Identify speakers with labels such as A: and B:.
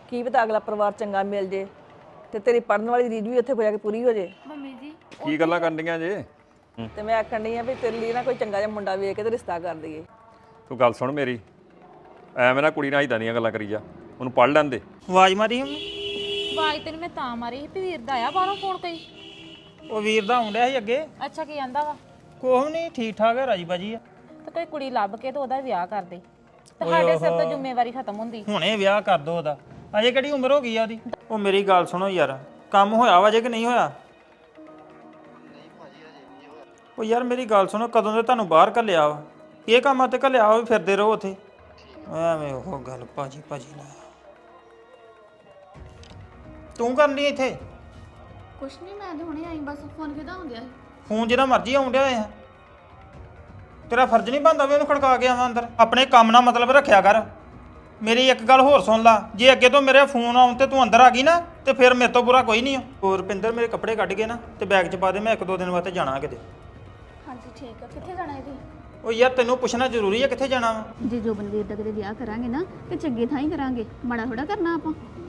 A: ਕੀ ਪਤਾ ਅਗਲਾ ਪਰਿਵਾਰ ਚੰਗਾ ਮਿਲ ਜੇ ਤੇ ਤੇਰੀ ਪੜਨ ਵਾਲੀ ਰੀਝ ਵੀ ਉੱਥੇ ਹੋ ਜਾ ਕੇ ਪੂਰੀ ਹੋ ਜੇ।
B: ਮੰਮੀ ਜੀ
C: ਕੀ ਗੱਲਾਂ ਕਰਨੀਆਂ ਜੇ?
A: ਤੇ ਮੈਂ ਆਖਣ ਡਈ ਆ ਵੀ ਤੇਰੇ ਲਈ ਨਾ ਕੋਈ ਚੰਗਾ ਜਿਹਾ ਮੁੰਡਾ ਵੇਖ ਕੇ ਤੇ ਰਿਸ਼ਤਾ ਕਰ ਦਈਏ।
C: ਤੂੰ ਗੱਲ ਸੁਣ ਮੇਰੀ, ਐਵੇਂ ਨਾ ਕੁੜੀ ਨਾਲ ਇਦਾਂ ਦੀਆਂ ਗੱਲਾਂ ਕਰੀ ਜਾ, ਉਹਨੂੰ ਪੜ ਲੈਣ ਦੇ।
D: ਆਵਾਜ਼ ਮਾਰੀ ਹੁਣ।
B: ਆਵਾਜ਼ ਤੈਨੂੰ ਮੈਂ ਤਾਂ ਮਾਰੀ ਸੀ ਵੀ ਵੀਰ ਦਾ ਆਇਆ ਬਾਹਰੋਂ ਫੋਨ ਕੋਈ।
D: ਉਹ ਵੀਰ ਦਾ ਆਉਂਦਿਆ ਸੀ ਅੱਗੇ।
B: ਅੱਛਾ ਕੀ ਆਂਦਾ ਵਾ?
D: ਕੋਹ ਨਹੀਂ, ਠੀਕ ਠਾਕ ਹੈ, ਰਾਜੀ ਬਾਜੀ ਆ।
B: ਤੇ ਕੋਈ ਕੁੜੀ ਲੱਭ ਕੇ ਤੇ ਉਹਦਾ ਵਿਆਹ ਕਰ ਦੇ ਤੇ ਸਾਡੇ ਸਿਰ ਤੋਂ ਜ਼ਿੰਮੇਵਾਰੀ ਖਤਮ ਹੁੰਦੀ।
D: ਹੁਣੇ ਵਿਆਹ ਕਰ ਦੋ ਉਹਦਾ, ਅਜੇ ਕਿਹੜੀ ਉਮਰ ਹੋ ਗਈ ਆ ਉਹਦੀ। ਉਹ ਮੇਰੀ ਗੱਲ ਸੁਣੋ ਯਾਰ, ਕੰਮ ਹੋਇਆ ਵਾ ਜੇ ਕਿ ਨਹੀਂ ਹੋਇਆ? ਉਹ ਯਾਰ ਮੇਰੀ ਗੱਲ ਸੁਣੋ, ਕਦੋਂ ਦੇ ਤੁਹਾਨੂੰ ਬਾਹਰ ਘੱਲਿਆ ਵਾ? ਇਹ ਕੰਮਾਂ ਤੇ ਘੱਲਿਆ ਵਾ ਵੀ ਫਿਰਦੇ ਰਹੋ ਉੱਥੇ ਐਵੇਂ। ਉਹ ਗੱਲ ਭਾਜੀ ਨਾ ਤੂੰ ਕਰਨੀ ਇੱਥੇ
E: ਕੁਛ ਨਹੀਂ, ਮੈਂ ਤੇ ਹੁਣੇ ਆਈ ਬਸ। ਫੋਨ ਕਿਹਦਾ ਹੁੰਦਿਆ ਸੀ?
D: ਫੋਨ ਜਿਹੜਾ ਮਰਜ਼ੀ ਆਉਂਦਿਆ ਹੋਇਆ। ਤੇਰਾ ਫਰਜ਼ ਨਹੀਂ ਬਣਦਾ ਵੀ ਉਹਨੂੰ ਖੜਕਾ ਕੇ ਆਵਾਂ ਅੰਦਰ? ਆਪਣੇ ਕੰਮ ਨਾਲ ਮਤਲਬ ਰੱਖਿਆ ਕਰ। ਮੇਰੀ ਇੱਕ ਗੱਲ ਹੋਰ ਸੁਣ ਲਾ, ਜੇ ਅੱਗੇ ਤੋਂ ਮੇਰੇ ਫੋਨ ਆਉਣ ਤੇ ਤੂੰ ਅੰਦਰ ਆ ਗਈ ਨਾ ਤੇ ਫਿਰ ਮੇਰੇ ਤੋਂ ਬੁਰਾ ਕੋਈ ਨਹੀਂ ਆ। ਹੋਰ ਰੁਪਿੰਦਰ, ਮੇਰੇ ਕੱਪੜੇ ਕੱਢ ਕੇ ਨਾ ਤੇ ਬੈਗ 'ਚ ਪਾ ਦੇ, ਮੈਂ 1-2 ਦਿਨ ਵਾਸਤੇ ਜਾਣਾ ਕਿਤੇ।
E: ਹਾਂਜੀ ਠੀਕ ਆ। ਕਿੱਥੇ ਜਾਣਾ ਇਹਦੀ?
D: ਉਹ ਯਾਰ ਤੈਨੂੰ ਪੁੱਛਣਾ ਜ਼ਰੂਰੀ ਹੈ ਕਿੱਥੇ ਜਾਣਾ ਵਾ?
E: ਜੇ ਜੋਬਨਵੀਰ ਦਾ ਕਿਤੇ ਵਿਆਹ ਕਰਾਂਗੇ ਨਾ ਤੇ ਚੰਗੇ ਥਾਂ ਹੀ ਕਰਾਂਗੇ, ਮਾੜਾ ਥੋੜਾ ਕਰਨਾ ਆਪਾਂ।